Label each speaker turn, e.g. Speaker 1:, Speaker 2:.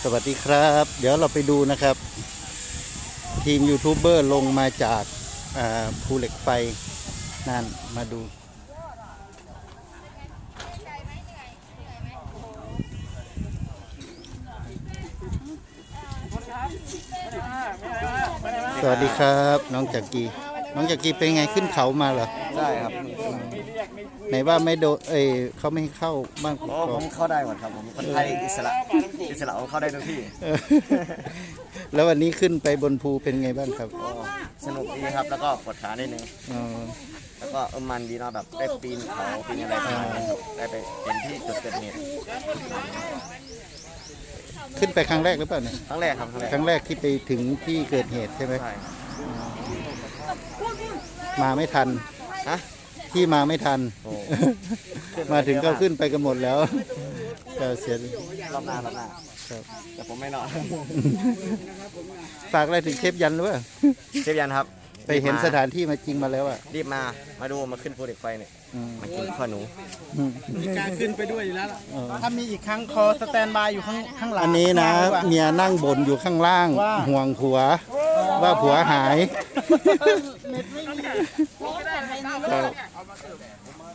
Speaker 1: สวัสดีครับ เดี๋ยวเราไปดูนะครับ ทีมยูทูบเบอร์ลงมาจากภูเหล็กไฟนั่นมาดูสวัสดีครับน้องจักรีเป็นไงขึ้นเขามาเหรอ
Speaker 2: ใช่ครับ
Speaker 1: ไหนว่าไม่โดนเขาไม่ให้เข้าบ้านก
Speaker 2: อ๋อ
Speaker 1: อก
Speaker 2: ผมเข้าได้หมดครับผมคนไทยอิสระผมเข้าได้ทุกที่
Speaker 1: เออแล้ววันนี้ขึ้นไปบนภูเป็นไงบ้างครับ
Speaker 2: ก็สนุกดีครับแล้วก็ปวดขานิดนึง
Speaker 1: อ๋อ
Speaker 2: แล้วก็มันดีเนาะแบบได้ปีนเขาปีนอะไรประมาณนี้ครับได้ไปเห็นที่จุดเกิดเหตุ
Speaker 1: ขึ้นไปครั้งแรกหรือเปล่าเนี่ย
Speaker 2: ครั้งแรกครับครั้งแรก
Speaker 1: ครั้งแรกที่ไปถึงที่เกิดเหตุใช่ไหม
Speaker 2: ใช่ครับ
Speaker 1: มาไม่ทัน
Speaker 2: ฮะ
Speaker 1: ที่มาไม่ทัน
Speaker 2: โอ้
Speaker 1: มาถึงก็ขึ้นไปกันหมดแล้วก็เสีย
Speaker 2: รอบหน้า
Speaker 1: ครับ
Speaker 2: แต่ผมไม่นอน
Speaker 1: ฝากอะไรถึงเชฟยันหรือเปล่า
Speaker 2: เชฟยันครับ
Speaker 1: ไปเห็นสถานที่มาจริงมาแล้วอ่ะ
Speaker 2: รีบมาดูมาขึ้นภูเหล็กไฟเนี่ย
Speaker 1: อืม
Speaker 2: มากินข้าวหนู
Speaker 1: อืม
Speaker 3: มีการขึ้นไปด้วยอยู่แล้วล่ะ
Speaker 1: เออ
Speaker 3: ถ้ามีอีกครั้งคอสแตนบายอยู่ข้างหลัง
Speaker 1: อันนี้นะ
Speaker 3: ข้างหลังดีกว่า
Speaker 1: เมียนั่งบ่นอยู่ข้างล่าง
Speaker 3: ว่า
Speaker 1: ห่วงผัว ว่าผัวหาย
Speaker 3: เน็ตไม่มี
Speaker 1: ครับ